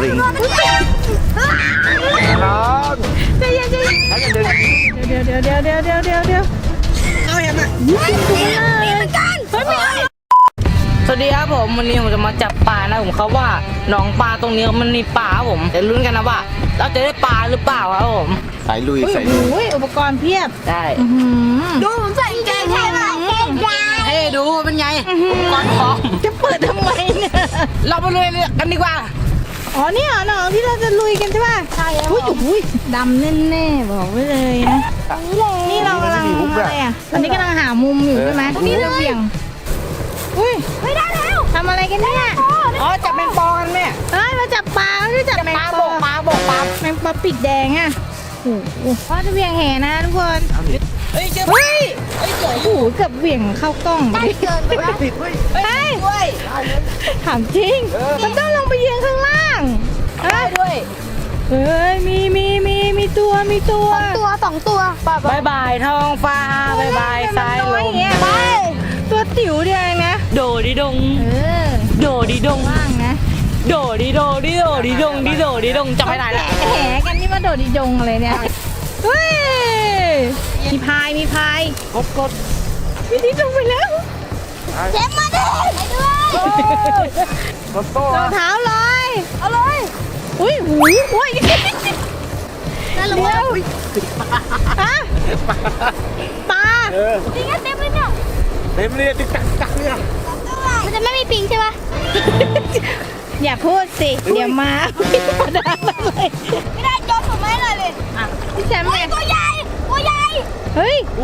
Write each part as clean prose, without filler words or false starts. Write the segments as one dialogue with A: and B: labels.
A: ริงร้อนใจเย็นเดี๋ยวเอาเห็นไหม
B: สวัสดีครับผมวันนี้ผมจะมาจับปลานะผมเขาว่าหนองปลาตรงนี้มันมีปลาครับผมจะลุ้นกันนะว่าเราจะได้ปลาหรือเปล่าครับผม
A: สายลุยสายลุย
C: อุปกรณ์เพียบ
B: ได้
C: ดูผมใส่แกงใช่ไหม
B: เฮ้ดูเป็นไงอุปกรณ์ของ
C: จะเปิดทำไมเนี่ย
B: เราไปลุยกันดีกว่า
C: อ๋อนี่เหรอน้องที่เราจะลุยกันใช่ป่ะใช่อุ้ยดำแน่ๆบอกไว้เลยนะนี่เรากำลังอะไรอ่ะตอนนี้กำลังหามุมอยู่ใช่ไหมนี่เราเบี่ยงอุ้ยไม่ได้แล้วทำอะไรกันเนี่ย
B: อ๋อจับแมงปอกันแม่
C: เฮ้ยมาจับปลาไม่ได้จับแมง
B: ปลา
C: ป
B: บ
C: อก
B: ปลาบกปลา
C: แมงปอปีกแดงอ่ะโอ้โหพ่อจะเบี่ยงแหนะทุกคน
B: เฮ้ยเจอ
C: เฮ้ยโอ้โหเกือบเบี่ยงเข้ากล้องไป
A: ติดเฮ้ย
C: เฮ้ยถามจริงมันต้องลงไปยืนข้างล่างเฮ้ย
B: ด้วย
C: เฮ้ยมีตัวสองตัว
B: บายบายท้องฟ้าบายบายสายลม
C: ไปตัวติ๋วเดียวเองนะ
B: โดดิดง โดดิดง
C: ว่างนะ
B: โดดิโดดิโดดิดงดิโดดิดงจับให้ได้ละ
C: แหกันนี่มาโดดดิยงอะไรเนี่ยเฮ้ยมีพาย
A: กด
C: วิธีลงไปแล้วเจ็บมาดิ
A: รถโต้
C: รองเท้าเลยเอาเลยอุ้ยนั่นลงมาฮะปลาจริงเต็มเลยเนี่ย
A: เต็มเลยติ๊กตักเนี่ย
C: มันจะไม่มีปิงใช่ปะอย่าพูดสิเดี๋ยวมาไม่ได้จอผมไม่เลยพี่แซมเนี่ยตัวใหญ่เฮ้ย
B: โอ้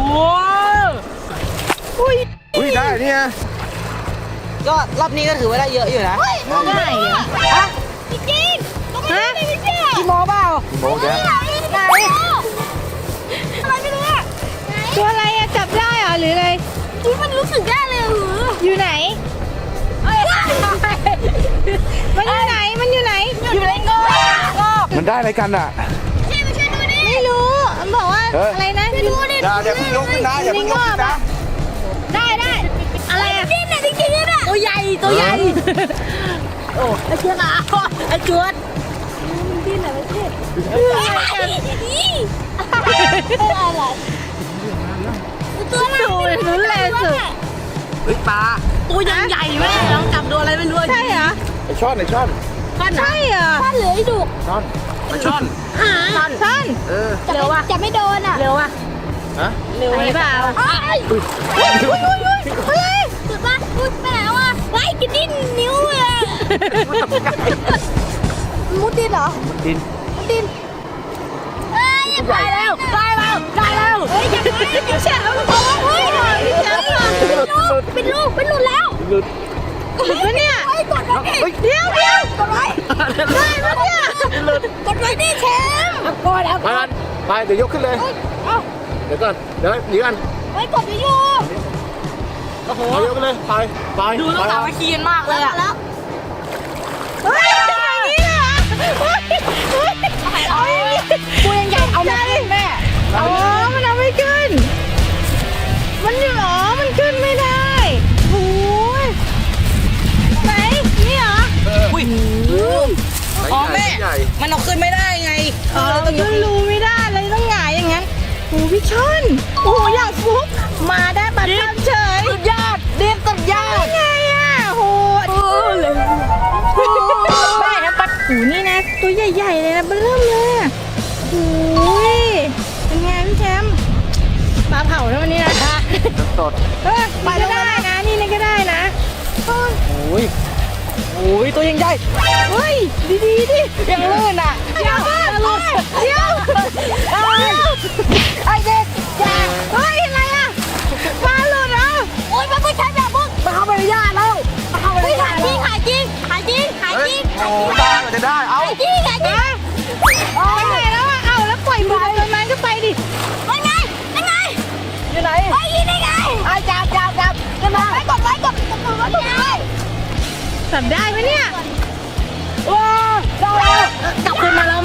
C: อุ้ย
A: ได้เนี่ย
B: ก็รอบนี้ก็ถือว่าได้เยอะอยู่นะ
C: ได้เหรอ
B: ฮะ
C: จริงฮะ
B: กี่โมเปล่า
A: โมเดล
C: อะไรไม่รู้อะตัวอะไรอะจับได้เหรอหรืออะไรที่มันรู้สึกได้เลยอยู่ไหนมันอยู่ไหน
B: อยู่ในกอง
A: มันได้อะไรกันอ่ะ
C: ไม่รู้มันบอกว่าอะไรนะดูดิ
A: อย่าเพิ่งลุกขึ้นนะอย่าเพิ่งลุกขึ้นนะ
C: ได้อะไรอะจริงๆอะ
B: ตัวใหญ่โอ้ไอ้เจ้าหนาไอ้จวด
C: ตัวอะไรรู้เลยสุด
B: เฮ้ยปลาตัวยังใหญ่แม่ลองจับดูอะไรไม่รู้
C: ใช่เหรอ
A: ไอช่อน
C: ใช่เหรอท่านเหลือไอ้ดุ
A: ช่อนไอช่อน
C: ท่าน
B: เร็วว่ะ
C: จะไม่โดนอ่ะ
B: เร็วว่ะ
A: ฮะ
B: เร็ว
C: ไหนเปล่าสุดป่ะไปไหนวะไล่กินดิ้นนิ้วเลยมุดดินเหรอ
A: ดิน
C: เอ้ยอย่าไปแล้วได้แล้วเฮ้ยอย่าไปอย่าแฉะแล้วมันบอกว่าเฮ้ยพี่แฉะเป็นลูกแล้ว
A: หลุด
C: กดไว้เนี่ยกดไว้เดี๋ยวกดไว้ได้แล้วเนี่ยกดไว้ดิแชมป์กดแล้ว
A: ไปเดี๋ยวยกขึ้นเลยเดี๋ยวก่อนเดี๋ยวหนีกัน
C: ไว้กดอยู่
B: โอ้โห
A: เอายกขึ้นเลยไป
B: ดูต้องสามัคคีกันมากเลยอ่ะ
C: เฮ้ยอย่างนี้เลยกูยังใหญ่เอาไม่ขึ้นแม่อ๋อมันเอาไม่ขึ้นมันอยู่หรอมันขึ้นไม่ได้โอ้ยไหนนี่เหรอ
B: อุ้ยอ๋อแม่มันเอาขึ้นไม่ได้ไง
C: เราต้องรู้ไม่ได้เลยต้องหงายอย่างนั้นโอ้พี่ชนโอ้อย่างฟุกมาได้บัตรเฉย
B: สุดยอดเรียนสุดยอด
C: ไงอ่ะโหเลยแม่นะปัดหูนี่นะตัวใหญ่ๆเลยนะเบิ่มเลยอ่ะโอ้ยเป็นไงพี่แชมป์ปลาเผาแล้ววันนี้นะ
A: สด
C: ไปก็ได้นะนี่ก็ได้นะ
B: โอ้ยตัวยังใหญ่
C: เฮ้ยดีดิ
B: ยังลื่นอ่ะ
C: เดี๋ยวไอเด็กอย่าเฮ้ยอะไรอ่ะปลาหลุดเหรอโอ๊ยมันไม่ใช่แบบมึง
B: มาเข้าไปในย่าแล้วมาเข้าไปในย่า
C: หายจริง
A: โอ้ได้จะได้เอา
C: ไปไหนแล้วอ่ะเอาแล้วปล่อยมือตรงนั้นก็ไปดิยังไง
B: อยู่ไหน
C: ไอ้ยี่ได้ไง
B: ไอ้จับขึ้นมา
C: กดไว้จับได้ไหมเนี่ย
B: ว้าวได้แล้วกลับขึ้นมาแล้วแม่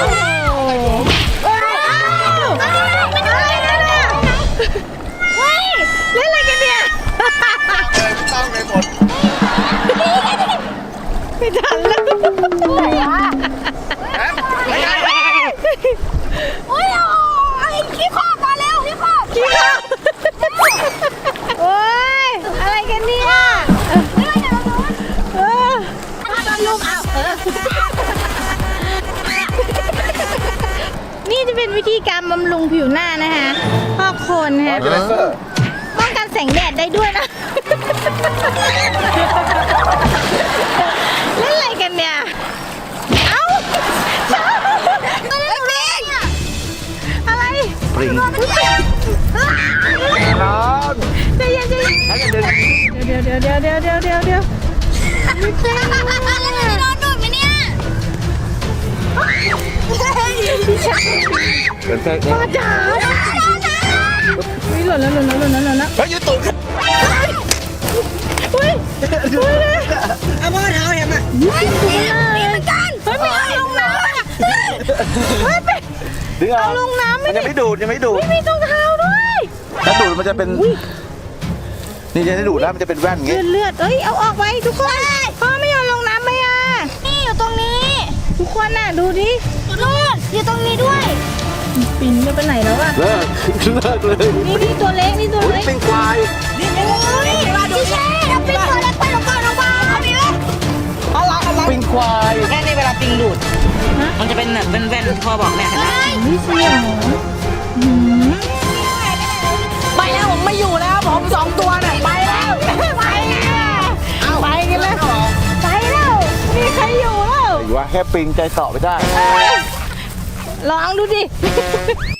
C: เฮ้ยเล่นอะไรกันเนี่ย
A: ต้องไปหมด
C: ไม่ทันแล้วนี่จะเป็นวิธีการบำรุงผิวหน้านะคะพอกโคนนะคะ ป้องกันแสงแดดได้ด้วยนะ เล่นอะไรกันเนี่ย เอ้าอะไร
A: ปริง
C: ร้อน ใจเย็นใจเย็น
A: ให้กันเดิน
C: เดี๋ยวไม่เป็นไร
D: โดนดูดไหมเนี่ย
A: เดินแค่
C: พ่อจ๋าหล่นแล้ว
A: เฮ้ยยืดตูดขึ้น
C: อุ้ย
B: เอาพ่อเท้าเห็นไหม
D: มีเหมือนกัน
C: เฮ้ยไม่เอาลงน้ำอ่ะเฮ้ยไป
A: ดึงเอา
C: เอาลงน้ำไม่
A: มัน
C: ได้
A: ยังไม่ดูดยังไม่ดูด
C: ไม่มีรองเท้าด้วย
A: ถ้าดูดมันจะเป็นนี่จะได้ดูดแล้วมันจะเป็นแว่นอย่างงี้
C: เลือดเอ้ยเอาออกไปทุกคนพ่อไม่ยอมลงน้ำไหมอ่ะ
D: นี่อยู่ตรงนี้
C: ทุกคนน่ะดูดิ
D: นู่นอยู่ตรงนี้ด้วย
C: ปิ่นจะไปไหนแล้วอ่ะ
A: เลิกเลย
C: นี่ตัวเล็กนี่ตัว
A: อุ้ย
C: เล็ก
A: เป็นควาย
D: นี่พี่เช่เอาเป็นตัวเล็กไปลงก่อนลงมาเอาไปเลย
B: อะไร
A: เป็นควาย
B: แค่นี้เวลาปิงดูด มันจะเป็นแบบเป็นแว่นที่พ่อบอกเนี่ยเห็นไหม
C: นี่เสียงหืม
B: ไปแล้วผมไม่อยู่แล้วผม2 ตัวเนี่ยไปแล้ว
C: ไปแล้วไปกันแล้วไปแล้วมีใครอยู่แล้ว
A: หรือว่าแค่ปิงใจเสาะไปได้
C: ลองดูดิ